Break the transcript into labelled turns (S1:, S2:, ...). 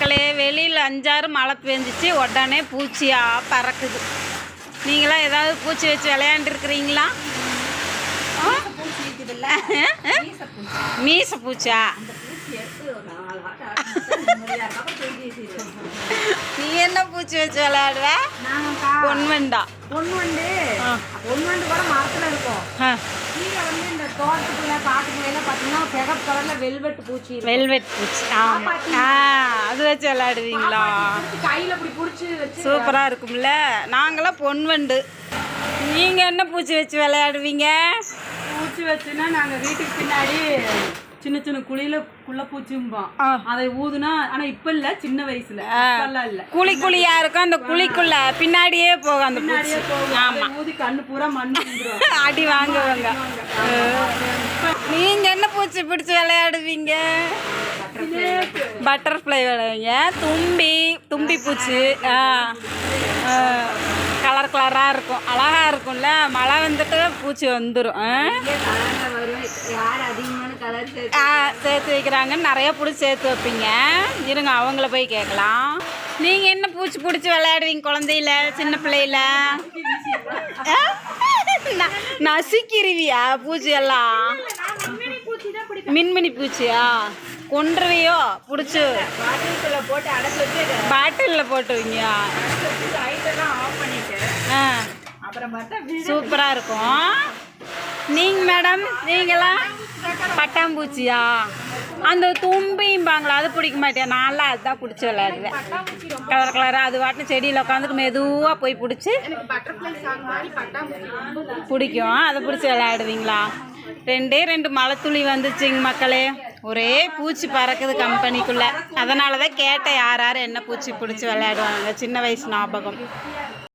S1: மக்களே, வெளியில் 5-6 மழை பெஞ்சிச்சு, உடனே பூச்சியாக பறக்குது. நீங்களாம் ஏதாவது பூச்சி வச்சு விளையாண்டுருக்குறீங்களா? மீச பூச்சா? நீ என்ன பூச்சி வச்சு விளையாடுவ? பொன்வண்டா.
S2: பொன்வண்டு கூட மரத்துல இருக்கும். கீழே வந்து இந்த தோட்டத்துக்குள்ள காட்டுக்குள்ள பார்த்தீங்கன்னா சிகப்பு கலர்ல வெல்வெட் பூச்சி.
S1: வெல்வெட் பூச்சி, ஆமா. அது வச்சு விளையாடுவீங்களா?
S2: கையில இப்படி புடிச்சு வச்சு
S1: சூப்பரா இருக்கும்ல. நாங்களாம் பொன்வண்டு. நீங்க என்ன பூச்சி வச்சு விளையாடுவீங்க?
S2: பூச்சி வச்சுன்னா நாங்க வீட்டுக்கு பின்னாடி சின்ன சின்ன குழியில பூச்சிம்போம். அதை ஊதுனா, ஆனா இப்ப இல்ல, சின்ன வயசுல இல்ல.
S1: குழியா இருக்கும், அந்த குழிக்குள்ள பின்னாடியே போகும் அந்த பூச்சி. ஆமா,
S2: ஊதி கண்ணு பூரா மண்
S1: அடி வாங்குவாங்க. நீங்க என்ன பூச்சி பிடிச்சி விளையாடுவீங்க? பட்டர்ஃப்ளை விளையாடுவீங்க. தும்பி பூச்சி கலர் கலராக இருக்கும், அழகாக இருக்கும்ல. மழை வந்துட்டு பூச்சி வந்துடும். சேர்த்து வைக்கிறாங்கன்னு நிறைய பிடிச்சி சேர்த்து வைப்பீங்க. இருங்க, அவங்கள போய் கேட்கலாம். நீங்கள் என்ன பூச்சி பிடிச்சி விளையாடுவீங்க குழந்தையில, சின்ன பிள்ளையில? நசுக்கிருவியா பூச்சி எல்லாம்? மின்மினி பூச்சியா? கொன்றுவியோ பிடிச்சி? பாட்டிலில் போட்டுவீங்க. சூப்பராக இருக்கும். நீங்கள் மேடம், நீங்களாம் பட்டாம்பூச்சியா? அந்த தும்பிம்பாங்களா, அது பிடிக்க மாட்டேன். நான்லாம் அதுதான் பிடிச்சி விளையாடுவேன். கலர் கலராக அது வாட்டின செடியில் உட்காந்துட்டு மெதுவாக போய் பிடிச்சி பிடிக்கும். அதை பிடிச்சி விளையாடுவீங்களா? 2 மழை துளி வந்துச்சுங்க மக்களே. ஒரே பூச்சி பறக்குது கம்பெனிக்குள்ளே. அதனால தான் கேட்டேன், யார் என்ன பூச்சி பிடிச்சி விளையாடுவாங்க. சின்ன வயசு ஞாபகம்.